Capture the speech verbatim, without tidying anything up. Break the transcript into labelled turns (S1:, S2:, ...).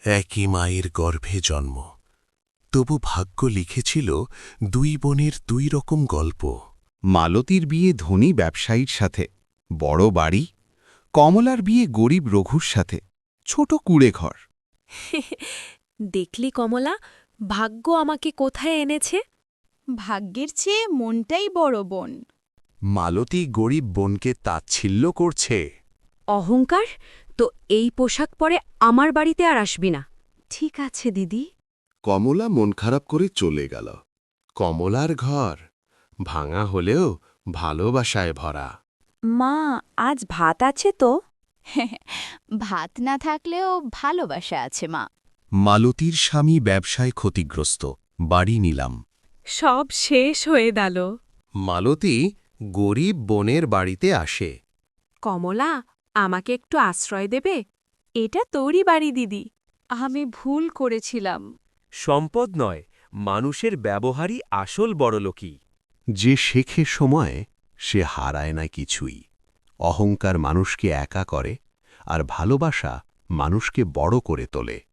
S1: একই মায়ের গর্ভে জন্ম, তবু ভাগ্য লিখেছিল দুই বোনের দুই রকম গল্প।
S2: মালতীর বিয়ে ধনী ব্যবসায়ীর সাথে, বড় বাড়ি। কমলার বিয়ে গরিব রঘুর সাথে, ছোট কুড়ে ঘর।
S3: দেখলি কমলা, ভাগ্য আমাকে কোথায় এনেছে?
S4: ভাগ্যের চেয়ে মনটাই বড় বোন।
S1: মালতী গরিব বোনকে তাচ্ছিল্য করছে।
S3: অহংকার, তো এই পোশাক পরে আমার বাড়িতে আর আসবি না। ঠিক আছে দিদি।
S1: কমলা মন খারাপ করে চলে গেল। কমলার ঘর ভাঙা হলেও ভালোবাসায় ভরা।
S3: মা, আজ ভাত আছে তো?
S4: ভাত না থাকলেও ভালোবাসা আছে মা।
S2: মালতীর স্বামী ব্যবসায় ক্ষতিগ্রস্ত, বাড়ি নিলাম।
S3: সব শেষ হয়ে গেল।
S1: মালতী গরিব বোনের বাড়িতে আসে।
S3: কমলা, আমাকে একটু আশ্রয় দেবে? এটা তোরই বাড়ি দিদি। আমি ভুল করেছিলাম।
S5: সম্পদ নয়, মানুষের ব্যবহারই আসল বড়লোকী।
S1: যে শেখে সময়, সে হারায় না কিছুই। অহংকার মানুষকে একা করে, আর ভালোবাসা মানুষকে বড় করে তোলে।